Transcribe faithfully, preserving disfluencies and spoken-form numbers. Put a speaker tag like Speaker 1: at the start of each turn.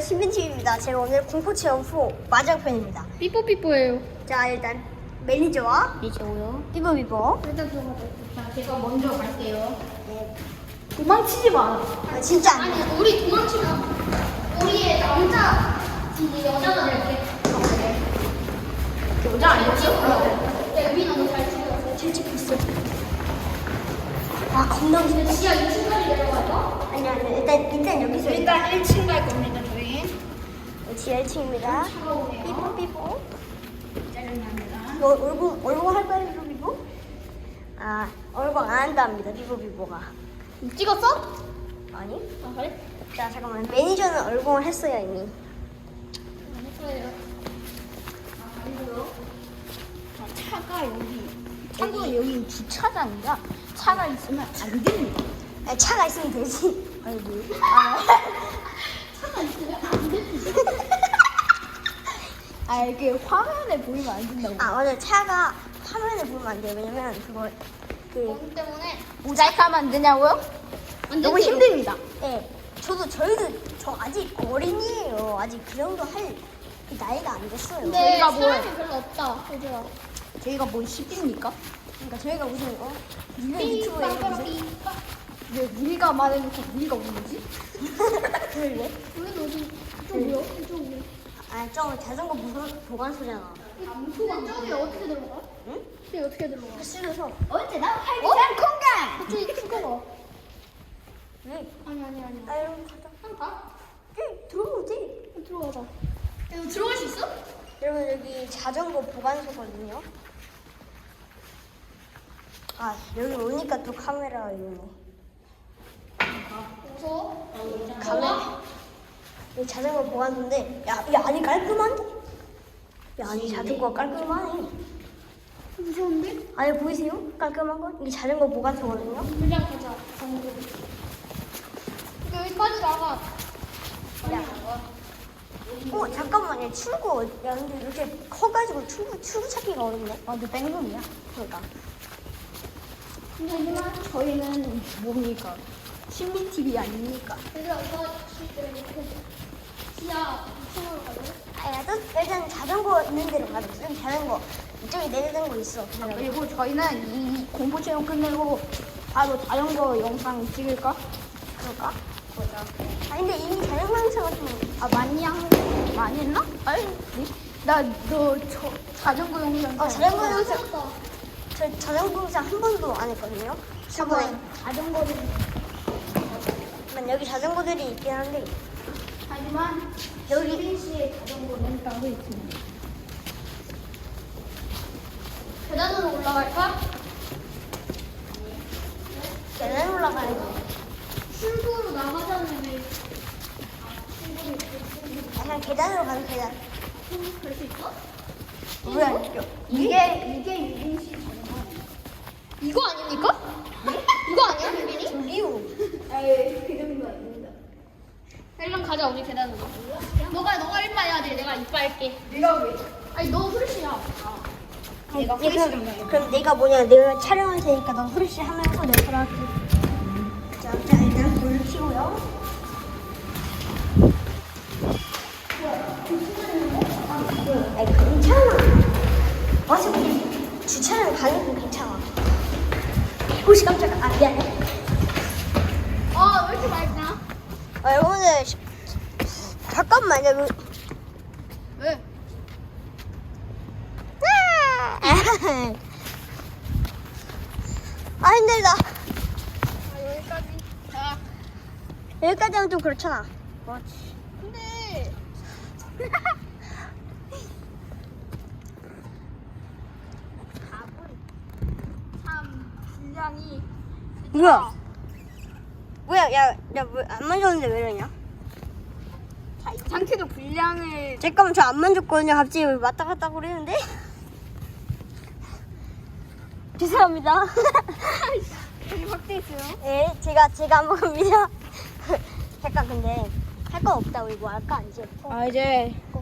Speaker 1: 신빈팀입니다. 제가 오늘 공포체험 후 마장편입니다.
Speaker 2: 삐뽀삐뽀예요.
Speaker 1: 자, 일단 매니저와
Speaker 2: 미쳐요.
Speaker 1: 삐보삐보.
Speaker 2: 일단 들어가자. 자, 제가 먼저 갈게요.
Speaker 1: 네.
Speaker 2: 도망치지 마.
Speaker 1: 아, 진짜 안 돼.
Speaker 2: 아니, 우리 도망치면 우리의 남자, 이제 여자가 될게. 여자 아니지? 야, 유빈아, 너잘 찍어.
Speaker 1: 잘 찍고 있어. 아, 겁나 무서워.
Speaker 2: 지하 이 층까지 내려갈까?
Speaker 1: 아니, 아니, 일단, 일단 여기서.
Speaker 2: 일단 일 층 갈 겁니다, 저희.
Speaker 1: 지하 일 층입니다.
Speaker 2: 차가 오네요.
Speaker 1: 삐뽀삐보.
Speaker 2: 짜증납니다.
Speaker 1: 너 얼굴, 얼굴 할 거야, 삐뽀삐보? 아, 얼굴 안 한답니다, 삐뽀삐보가.
Speaker 2: 찍었어?
Speaker 1: 아니?
Speaker 2: 아, 그래?
Speaker 1: 자, 잠깐만. 매니저는 얼굴을 했어요, 이미.
Speaker 2: 안 했어요. 아, 아니고요. 자, 차가 여기. 참고로 여기 주차장이라 차가 있으면 안 됩니다.
Speaker 1: 아, 차가 있으면 되지.
Speaker 2: 아이고. 아, 차가 있으면 안 됩니다. 아, 이게 화면에 보이면 안 된다고.
Speaker 1: 아, 맞아. 차가 화면에 보면 안 돼요. 왜냐면 그거, 그,
Speaker 2: 거기 때문에 모자이크 하면 안 되냐고요? 너무
Speaker 1: 되죠.
Speaker 2: 힘듭니다.
Speaker 1: 예. 저도, 저희도, 저 아직 어린이에요. 아직 그 정도 할, 그 나이가 안 됐어요.
Speaker 2: 근데
Speaker 1: 저희가
Speaker 2: 사람이
Speaker 1: 뭐,
Speaker 2: 별로 없다. 그죠? 저희가 뭐 십입니까?
Speaker 1: 그러니까 저희가 무슨, 어? 유명
Speaker 2: 삐,
Speaker 1: 유튜버에
Speaker 2: 빠빠라,
Speaker 1: 무슨.
Speaker 2: 삐, 빠. 왜 우리가 말해놓고 우리가 없는 거지?
Speaker 1: 왜?
Speaker 2: 우리는 어디 이쪽이요? 이쪽이요.
Speaker 1: 아, 저 자전거 무선 보관소잖아.
Speaker 2: 무소가 저기 어떻게 들어가?
Speaker 1: 응?
Speaker 2: 저기 어떻게 들어가?
Speaker 1: 그 쓰면서.
Speaker 2: 언제나 활기찬 공간! 저기 죽어봐.
Speaker 1: 왜?
Speaker 2: 아니 아니 아니.
Speaker 1: 아, 여러분, 가자.
Speaker 2: 한 가?
Speaker 1: 응, 들어오지.
Speaker 2: 들어가자. 야, 너 들어갈 수 있어?
Speaker 1: 여러분, 여기 자전거 보관소거든요. 아, 여기 오니까 또 카메라가 있네.
Speaker 2: 무서워?
Speaker 1: 카메라. 여기 자전거 보관소인데, 야, 이 안이 깔끔한데? 야, 안이 자전거가 깔끔하네.
Speaker 2: 무서운데?
Speaker 1: 안에 보이세요? 깔끔한 거? 이게 자전거 보관소거든요.
Speaker 2: 그냥 가자. 여기까지 나가.
Speaker 1: 야. 어, 잠깐만요. 출구. 야, 근데 이렇게 커가지고 출구, 출구 찾기가 어렵네.
Speaker 2: 아, 너 뺑소니야?
Speaker 1: 그러니까.
Speaker 2: 하지만 저희는 뭡니까? 신비 티비 아닙니까? 그래서 이거 이렇게 지하 이 층으로 가자.
Speaker 1: 아, 야, 또 일단 자전거 있는 데로 가자. 여기 자전거. 이쪽에 내리는 거 있어. 자전거.
Speaker 2: 그리고 저희는 이 공포 체험 끝내고 바로 자전거 영상 찍을까?
Speaker 1: 그럴까? 보자. 아, 근데 이미 자전거 영상 같은
Speaker 2: 아 많이 한 많이 했나? 아니 나너 저 자전거 영상
Speaker 1: 어, 자전거 영상.
Speaker 2: 찍었다.
Speaker 1: 저 자전거 영상 한 번도 안 했거든요. 저번에.
Speaker 2: 저번에 자전거를
Speaker 1: 만 여기 자전거들이 있긴 한데.
Speaker 2: 하지만 여기 린 씨의 자전거는 따로 있습니다. 계단으로 올라갈까?
Speaker 1: 계단 올라가야지.
Speaker 2: 출구로 나가자면 왜
Speaker 1: 아, 그냥 계단으로 가는 계단.
Speaker 2: 갈수 있어?
Speaker 1: 뭐야?
Speaker 2: 이게 이게 유빈 씨 자전거 아니야? 이거 아닙니까? 네? 이거 아니야 유빈이?
Speaker 1: 리우.
Speaker 2: 에이 그 정도 아닙니다. 일단 가자 우리 계단으로. 너가 너가 일바 해야 돼. 내가 이빠 할게. 내가 왜? 아니 너 후르시야. 아. 내가
Speaker 1: 네,
Speaker 2: 후르시
Speaker 1: 그럼,
Speaker 2: 좀
Speaker 1: 그럼 내가 뭐냐? 내가 촬영할 테니까 너 후르쉬 하면서 내가 촬영할게. 자, 자, 일단 불을 켜고요. 아니, 괜찮아. 어차피 주차장 가는 건 괜찮아. 오씨, 깜짝아. 아, 미안해.
Speaker 2: 아왜 이렇게 맑나?
Speaker 1: 아, 여러분들, 시- 잠깐만요. 뭐-
Speaker 2: 왜?
Speaker 1: 아, 힘들다.
Speaker 2: 아 여기까지. 자.
Speaker 1: 여기까지 하면 좀 그렇잖아.
Speaker 2: 그렇지. 근데 참 분량이
Speaker 1: 뭐야? 뭐야, 야, 야, 뭐, 안 만졌는데 왜 이러냐?
Speaker 2: 자, 이 상태로 분량을
Speaker 1: 잠깐만, 저 안 만졌거든요. 갑자기 왜 왔다 갔다 그러는데? 죄송합니다.
Speaker 2: 되게 확대 있어요.
Speaker 1: 예, 제가, 제가 한 겁니다. 잠깐, 근데, 할 거 없다고 이거 할까, 이제?
Speaker 2: 아 이제
Speaker 1: 꼭